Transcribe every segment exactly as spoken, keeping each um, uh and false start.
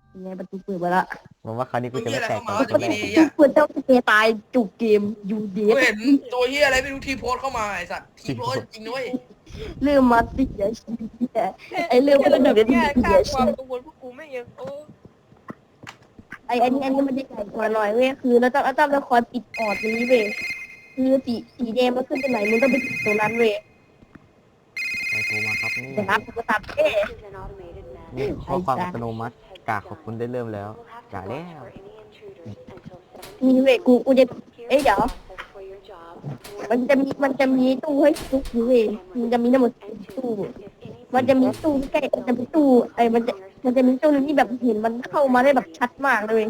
ยังไงประตูเปิดมาละผมว่าคราวนี้กูจะเฮียไม่อะไรแตกเข้าต่อมาคนทีแรกนี้ทุอ่ะกคนต้องเตตายจุกเกมยูเดกูฟเห็นตัวเฮียอะไรไม่รู้ทีโพสเข้ามาไอ้สัตว์ทีโพสจริงด้วยเรื่องมาเสียชีวิตอะไอเรื่องแค่มันระดับเดือดแค่เสีค่าย คชีวามวิตกังวลพวกกูไม่ยังโอ้ไออันนี้อันนี้มันจะใหญ่กว่าหน่อยเว้ยคือเราต้องเราต้องละครปิดออดตรงนี้เว้ยคือสีสีแดงมันขึ้นตรงไหนมึงต้องไปติดตรงนั้นเว้ยใครโทรมาครับนี่จะรับกูตับเอ๊ะนี่ข้อความอัตโนมัติกากขอบคุณได้เริ่มแล้วกาแล้วนี่เว้ยกูกูจะเอ้ยเดี๋ยวมันจะมีมันจะมีตู้ให้ทุกอยู่เว้ยมันจะมีทั้งหมดตู้มันจะมีตู้ใกล้มันจะมีตู้ไอ้มันจะมันจะมีตู้นึงที่แบบเห็นมันเข้ามาได้แบบชัดมากเลย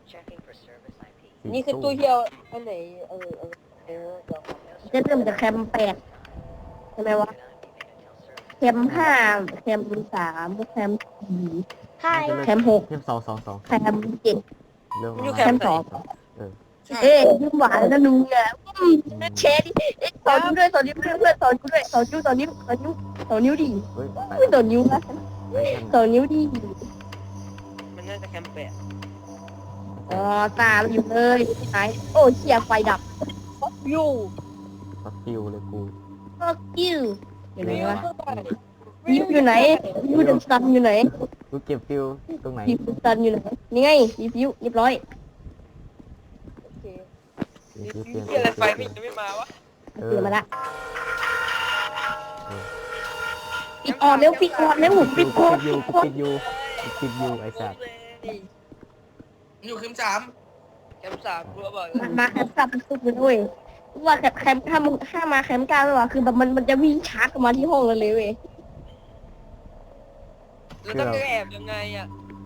นี่คือตู้เฮียวอันไหนเออเออเออเดี๋ยวจะเริ่มจากแคมแปดใช่ไหมวะแคมห้าแคมสามแคมสี่ใช่แคมหกเทมสองสองสองแคมเจ็ดเริ่มอยู่แคมสองเออใช่เอ้ยยิ้มหวานนะลุงอ่ะอืมแชร์ดิเอ้ยสอนนิ้วด้วยสอนนิ้วด้วยเพื่อนสอนนิ้วด้วยสอนนิ้วสอนนิ้วสอนนิ้วสอนนิ้วดิเฮ้ยไปไม่สอนนิ้วนะไปกันสอนนิ้วดิมันน่าจะแคมเปญอ๋อตาเราอยู่เลยไหนโอ้เชียไฟดับอยู่ฟักฟิวเลยกู fuck you อยู่ไหนวะยิ้มอยู่ไหนยิ้มเดนสตันอยู่ไหนกูเก็บฟิวตรงไหนยิ้มเดนสตันอยู่ไหนนี่ไงรีวิวเรียบร้อยโอเคฟิวนี่เปลี่ยนเฮียอะไรไฟไม่ยังไม่มาวะเอเตืออนมาละปิดออนเร็วปิดออนเร็วปิปิดดออนยูปิดกูออนปิดยูกูปิดยูไอ้สัตว์อยู่คิมสามแคมสามกูบอกมามาแคมป์กลับไปสุดเลยด้วยว่าแคมป์แคมป์ถ้ามึงถ้ามาแคมป์กลางไม่ว่าคือแบบมันมันจะวิ่งชาร์จออกมาที่ห้องเราเลยเว้ยแล้วต้องแอบยังไงอ่ะ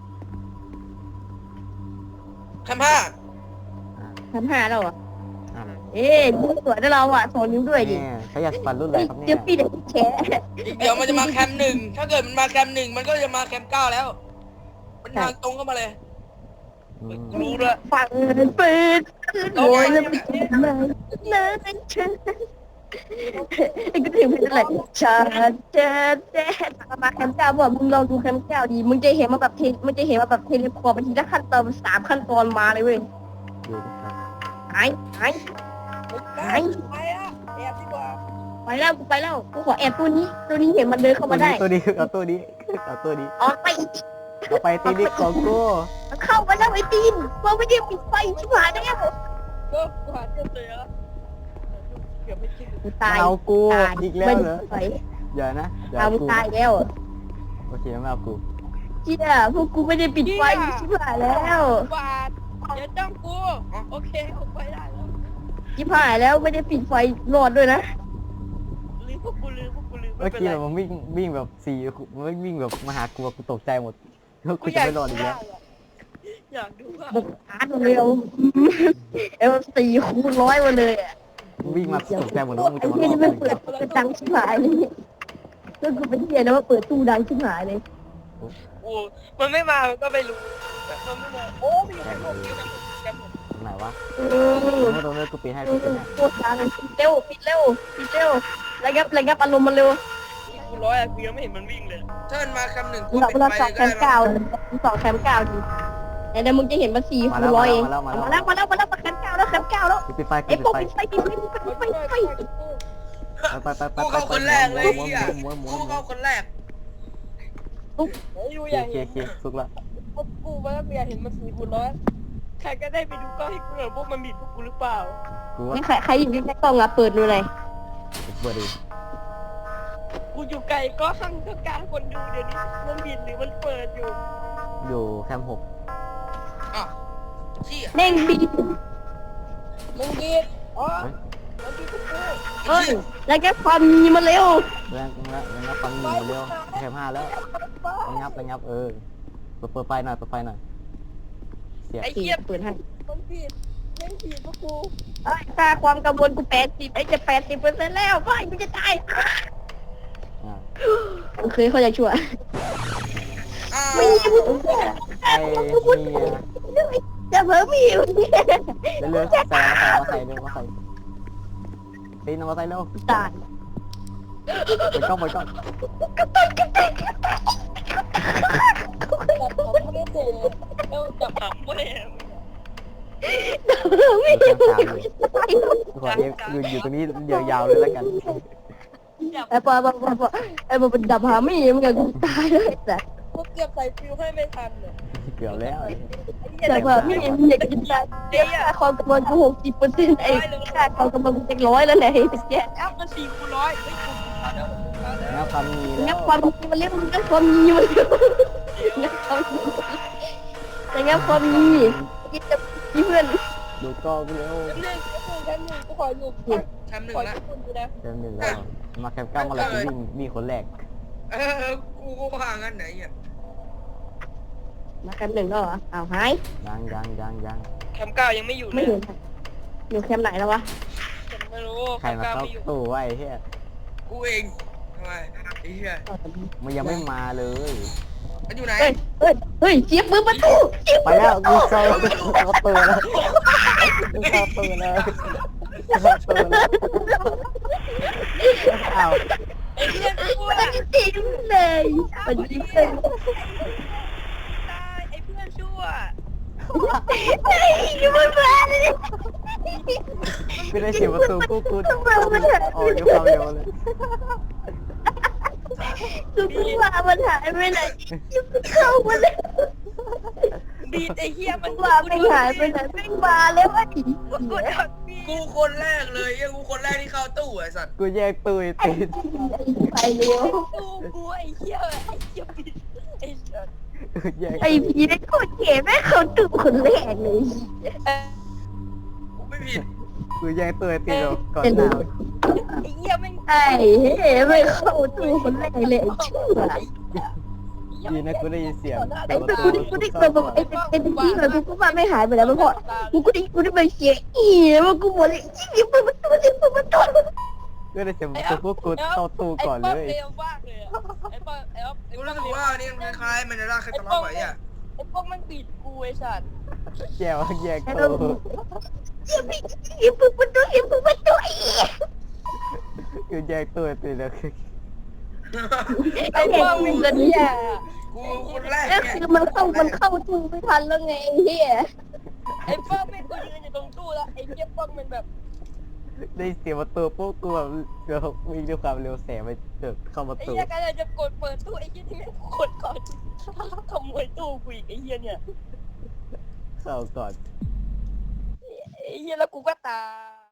แคมห้าแคมป์ห้าแล้วอ่ะอ่ะเอ๊ะยิ้มสวยได้เราอ่ะสอนนิ้วด้วยดิแม่เขาอยากฟันรุ่นอะไรเฮ้ยครับเดี๋เนี่ยวย พี่เด็กแชร์อีกเดี๋ยวมันจะมาแคมหนึ่งถ้าเกิดมันมาแคมหนึ่งมันก็จะมาแคมเก้าแล้ว มันทางตรงเข้ามาเลยอืมรู้ด้วยฟังเปิดเลยแล้วไปกินเลยนะฉันไอ้ก็ถึงเป็นอะไรฉันจะแจ้มาแคมป์เก้าบอกมึงลองดูแคมป์เก้าดีมึงจะเห็นมาแบบเทมึงจะเห็นมาแบบเทเลพอร์ตไปทีละขั้นตอนสามขั้นตอนมาเลยเว้ยดูนะครับหายหายไปไปอ่ะแอบดีกว่าไปแล้วกูไปแล้วกูขอแอบตัวนี้ตัวนี้เห็นมันเดินเข้ามาได้ตัวนี้เอาตัวนี้เอาตัวนี้ออกไปเอาไปตีนิกของกูมันเข้ามาแล้วไอ้ตีนว่าไม่ได้ปิดไฟชิบหายแล้วก็กูหาเจอเลยอ่ะเกือบไม่คิดกูตายเอากูตายอีกแล้วเหรอไม่ได้อย่านะอย่าเอาเอามึงกูตายแล้วโอเคไม่เอากูเชี่ยพวกกูไม่ได้ปิดไฟชิบหายแล้วบาทอย่าจ้องกูโอเคออกไปได้แล้วชิบหายแล้วไม่ได้ปิดไฟรอดด้วยนะลืมพวกกูลืมพวกกูลืมไม่เมื่อเป็นกี้ไรมันวิ่งวิ่งแบบสี่มันวิ่งแบบมาหากูกูตกใจหมดแล้วกูกูอจะยากไม่รอดอีกแล้วอยากดูว่าบุกชาร์จเร็วเอลสี่คูณร้อยมาเลยอ่ะวิ่งมาตกใจหมดแล้วมึงไอ้จะมาเหี้ยรอนี่ดมันอีกเปิดกระดังชิบหายเลยก็กูเป็นเหี้ยนะว่าเปิดตู้ดังชิบหายเลยโอ้มันไม่มามันก็ไม่รู้แต่มันไม่มาโอ้มีแค่พวกนี้นะแค่ผมตรงไหนวะเอตรงอนู้นตรงนู้นกูปีนให้เอกูอปีนให้โคตรดังปิดเร็วปิดเร็วปิดเร็วระงับระงับอารมณ์มันเร็วกูร้อยอะกูยังไม่เห็นมันวิ่งเลยถ้ามันมาแคมหนึ่งกูเราปิดเราไฟสองก็แคได้มมั้เก้าง สองแคมเก้าดิแต่เดี๋ยวมึงจะเห็นมาสี่คูณร้อยเองมาแล้วมาแล้วมาแล้วมาแคมเก้าแล้วแคมเก้าแล้วกูปิดไฟกูไอ้ปิพวดกไฟปิดไฟปิดไฟปิดไฟปิดไฟไปไปไปกูไปเข้าคนแรกเลยม้วนเฮียม้วนม้วนกูม้วนเข้าคนแรกเฮ้ยดูโออยากเคเห็นโอเคสุกละพวกกูมาแล้วกูอยากเห็นมันสี่คูณร้อยใครก็ได้ไปดูกล้องให้กูหน่อยพวกมันบิดพวกกูหรือเปล่ากูว่านี่ใครใครอยู่ใกล้กล้องอะเปิดดูเลยเปิดดิกูอยู่ไกลก็ข้างกลางคนดูเดี๋ยวนี้มันบิดหรือมันเปิดอยู่อยู่แคมป์หกอ่ะเชี่ยเน่งบีมันบิดอ๋อมันบิดพวกกูเอ้ยแล้วแกความมีมาเร็วแรงแรงแรงฟังหนึ่งเร็วแคมป์ห้าแล้วระงับระงับเออเปิดเปิดไฟหน่อยเปิดไฟหน่อยเสียไอ้เหี้ยเปิดให้มันบิดแม่งบิดพวกกูเอ้ยค่าความกังวลกูแปดสิบไอ้จะแปดสิบเปอร์เซ็นต์แล้วไม่กูจะตายอ่าโอเคเขาจะช่วยอ้าวไม่มีมึงไอ้เมียจะเพิ่มมีมึงเนี่ยเร็วๆใส่มาใส่มาใส่เร็วมาใส่ตีนมาใส่เร็วตายไปกล้องไปกล้องกระตุกกระตุกกระตุกจับผมไม่ได้เจอแล้วจับผมไม่ได้ไม่ได้ตายขอเอฟยืนอยู่ตรงนี้ยาวๆเลยแล้วกันไอ้ปอปอปอปอไอ้ปอเป็นดับหาไม่เหมือนกันกูตายเลยแต่กูเกือบใส่ฟิวให้ไม่ทันเลยเกือบแล้วแต่ว่าไม่เห็นอยากจะตายเดี๋ยวค่าความกำลังกูหกสิบเปอร์เซ็นต์ไอ้ค่าความกำลังกูเจ็ดร้อยแล้วไหนแต่แกแอปมันสี่คูณร้อยเฮ้ยกูเอาเดี๋ยวเอาเดี๋ยวงับความมีแล้งับวความมีมันเรียกมันงับความมีมันงับความมีแต่งับความมีคิดจะมีเพื่อนดูกล้องเร็วแป๊บนึงแป๊บนึงแป๊บนึงกูขออยู่แคมป์หนึ่งขอละอยู่คนดูนะเต็มหนึ่งแล้วมาแคมป์เก้ามาเลยกูวิ่งวิ่งคนแรกเออกูก็ว่างั้นไหนอ่ะมาแคมป์หนึ่งแล้วเหรออ้าวหายยังยังยังยังแคมป์เก้ายังไม่อยู่เลไม่ยเห็นอยู่แคมป์ไหนแล้ววะฉันไม่รู้ใครมาเข้าตู้ไว้เฮียกูเองทำไมไอ้เหี้ยมันยังไม่มาเลยมันอยู่ไหนเฮ้ยเฮ้ยเฮ้ยเสียบมือประตูเสียบไปแล้วกูเข้าเข้าตู้แล้วกูเข้าตู้แล้วเข้าตู้แล้วอ้าวไอ้เหี้ยกูมันอะจริงเลยมันจริงเลยตายไอ้เพื่อนชั่วเฮ้ยมันมาเลยไม่ได้เสียประตูกูกูออกด้วยความเร็วเลยคือกูว่ามันหายไปไหนเข้ามาเลยดีดไอ้เหี้ยมันว่าไม่หายไปไหนไม่มาแล้วไอ้กูโดนบีบกูคนแรกเลยยังกูคนแรกที่เข้าตู้ไอ้สัตว์กูแยกตู้ติดไปเร็วกูกูไอ้เหี้ยไอ้เหี้ยบีบไอ้สัสกูแยกไอ้พีได้โคตรเก๋แม่เขาตื่นคนแรกเลยเอ้ยกูไม่ผิดกูแยกตู้ติดก่อนหน้าไอ้เหี้ยแม่งไอ้เฮ้ไม่เข้าตู้คนแรกเลยไอ้เชื่อดีนะกูได้ยินเสียงไอ้ตัวกูได้กูได้แบบไอ้ไอ้ที่แบบกูก็ว่าไม่หายไปแล้วมันพอกูก็ได้กูได้ไปเสียอีมันกูหมดเลยยิ่งเปิดประตูยิ่งเปิดประตูก็ได้เสียงประตูพวกกูเข้าตู้ก่อนเลยไอ้ป๊อปเร็วมากเลยอะไอ้ป๊อปไอ้ป๊อปไอ้กูป๊อรู้ปสึกว่านี่มันคล้ายๆมันจะลากใครตลอดไปอ่ะไอ้ป๊อปมันบีบกูไอ้สัสแก้วแยกตู้ยิ่งเปิดประตูยิ่งเปิดประตูกูแยกตู้ติดแล้วไอ้พวกมึงกันเนี่ยกูคนแรกก็เนี่ยคือมันเข้ามันเข้าตู้ไม่ทันแล้วไงไอ้เหี้ยไอ้ป๊อปไม่กูยืนอยู่ตรงตู้แล้วไอ้เหี้ยป๊อปมันแบบได้เสียงประตูพวกกูแบบวิ่งด้วยความเร็วแสงไปเดินเข้าประไอ้ตูเหี้ยกำลังจะกดเปิดตู้ไอ้เหี้ยที่แม่งกดก่อนขโมยตู้กูอีกไอ้เหี้ยเนี่ยเข้าก่อนไอ้เหี้ยแล้วกูก็ตาย